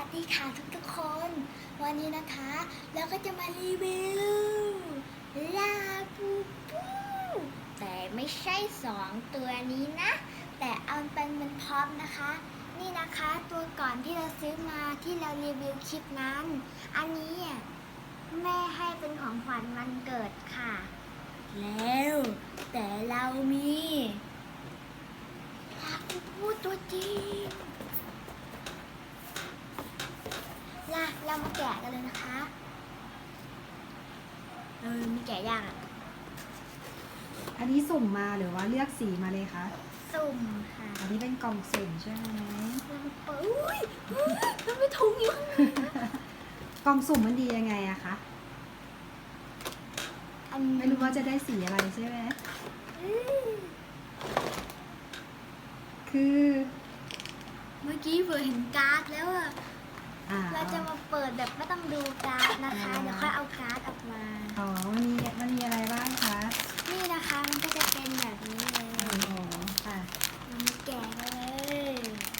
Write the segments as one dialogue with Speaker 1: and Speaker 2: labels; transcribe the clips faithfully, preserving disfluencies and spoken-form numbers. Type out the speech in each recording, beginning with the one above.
Speaker 1: ดีค่ะทุกทุกคน วันนี้นะคะเราก็จะมารีวิวลาบูบูแต่ไม่ใช่สองตัวนี้นะ แต่เอาเป็นเป็นพร็อพนะคะ นี่นะคะตัวก่อนที่เราซื้อมาที่เรารีวิวคลิปนั้น อันนี้แม่ให้เป็นของขวัญวันเกิดค่ะ แล้วแต่เรามีลาบูบูตัวจริงล่ะเรามาแกะกันเลยนะคะ เออมีแกะยากอ่ะ
Speaker 2: อันนี้สุ่มมาหรือว่าเลือกสีมาเลยคะ
Speaker 1: สุ่มค่ะ
Speaker 2: อันนี้เป็นกล่องสุ่มใช่ไหม
Speaker 1: เรามาเปิดอุ้ยอุ้ยมันไม่ถุงอยู่ข้างใน
Speaker 2: กล่องสุ่มมันดียังไงอะคะ
Speaker 1: อัน
Speaker 2: ไม่รู้ว่าจะได้สีอะไรใช่ไหม
Speaker 1: อืม
Speaker 2: คือ
Speaker 1: เมื่อกี้เผื่อเห็นการ์ดแล้วอะ
Speaker 2: อ่า
Speaker 1: เราจะมาเปิดแบบไม่ต้องดูการ์ดนะคะ เดี๋ยวค่อยเอาการ์ดออกมา
Speaker 2: อ๋อมันมีมันมีอะไรบ้างคะ
Speaker 1: นี่นะคะมันก็จะเป็นแบบนี้เลย
Speaker 2: โอ้โหค่ะ
Speaker 1: เรามาแกะกันเลย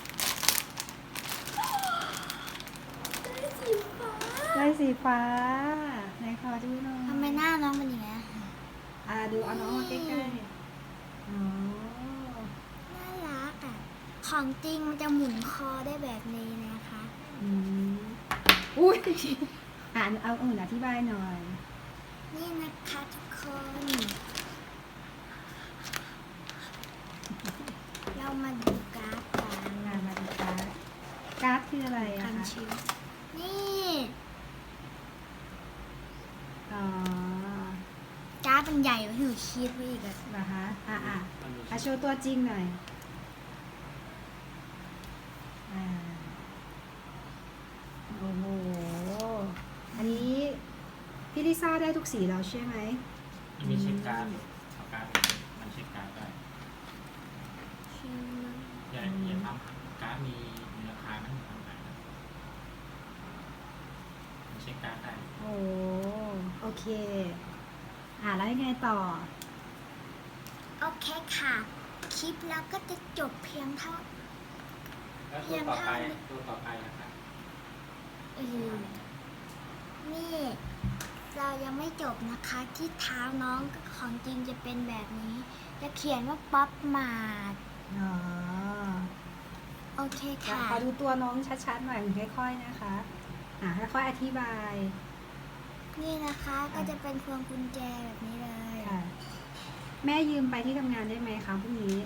Speaker 1: ได้สีฟ้า
Speaker 2: ได้สีฟ้าไหนขอดูหน่อย
Speaker 1: ทำไมหน้าน้องเป็นอย่างนี้ย
Speaker 2: อ่าดูเอาน้องมาใกล้ๆอ๋อ
Speaker 1: น่ารักอ่ะ ของจริงมันจะหมุนคอได้แบบนี้นะคะ
Speaker 2: อืมอุ้ยอ่านเอาอื่นอธิบายหน่อย
Speaker 1: นี่นะคะทุกคน เรามาดูการ์ดกัน
Speaker 2: งานมาดูการ์ดการ์ดคืออะไรอะ
Speaker 1: คัน
Speaker 2: คะ
Speaker 1: ชิวนี่
Speaker 2: อ๋อ
Speaker 1: การ์ดมันใหญ่กว่าที่หนูคิดไว้อีกอะ
Speaker 2: เหรอคะอ่ะอ่ะอ่ะโชว์ตัวจริงหน่อยอ่าโอ้โห อันนี้พี่ลิซ่าได้ทุกสีแล้วใช่ไหม
Speaker 3: มันมีเช็คการ์ดเอาการ์ดมันเช็คการ์ดได้
Speaker 1: ใช่ไหม
Speaker 3: อย่าอย่าทำการ์ดมีมีราคานะทำขายนะมันเช็คการ์ดได้
Speaker 2: โอ้โอเค อ่าแล้วยังไงต่อ
Speaker 1: โอเคค่ะ คลิปเราก็จะจบเพียงเท่า
Speaker 3: แล้วตัวต่อไปตัวต่อไปนะครับ
Speaker 1: เออนี่ เรายังไม่จบนะคะ ที่เท้าน้องของจริงจะเป็นแบบนี้ จะเขียนว่าป๊อปมาด
Speaker 2: อ๋อ
Speaker 1: โอเค
Speaker 2: เดี๋ยว
Speaker 1: ค่ะ
Speaker 2: ขอดูตัวน้องชัดๆหน่อยค่อยๆนะคะ อ่าค่อยๆอธิบาย
Speaker 1: นี่นะคะก็จะเป็นพวงกุญแจแบบนี้เลย
Speaker 2: ค่ะ แม่ยืมไปที่ทำงานได้ไหมคะพรุ่งนี้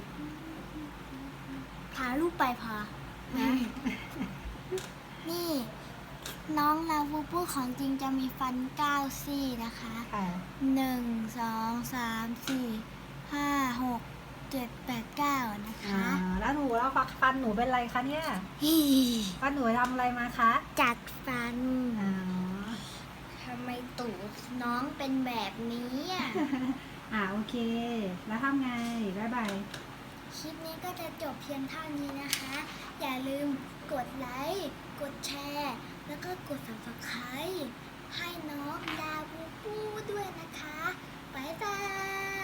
Speaker 1: ถ่ายรูปไปพอ
Speaker 2: นะ
Speaker 1: นี่ น้องลาบูบูของจริงจะมีฟันเก้าซี่นะคะ
Speaker 2: ค่ะ
Speaker 1: หนึ่ง สอง สาม สี่ ห้า หก เจ็ด แปด เก้านะ
Speaker 2: อ่า
Speaker 1: คะ
Speaker 2: แล้วหนูแล้วฟันหนูเป็นไรคะเนี่ย
Speaker 1: ฮี
Speaker 2: ฟันหนูทำอะไรมาคะ
Speaker 1: จัดฟัน
Speaker 2: อ๋อ
Speaker 1: ทำไมตูดน้องเป็นแบบนี้อ่ะ
Speaker 2: อ่าโอเค แล้วทำไงบ๊ายบาย
Speaker 1: คลิปนี้ก็จะจบเพียงเท่านี้นะคะ อย่าลืมกดไลค์ กดแชร์ แล้วก็กด ซับสไครบ์ ให้น้องดาบูบูด้วยนะคะ บ๊ายบาย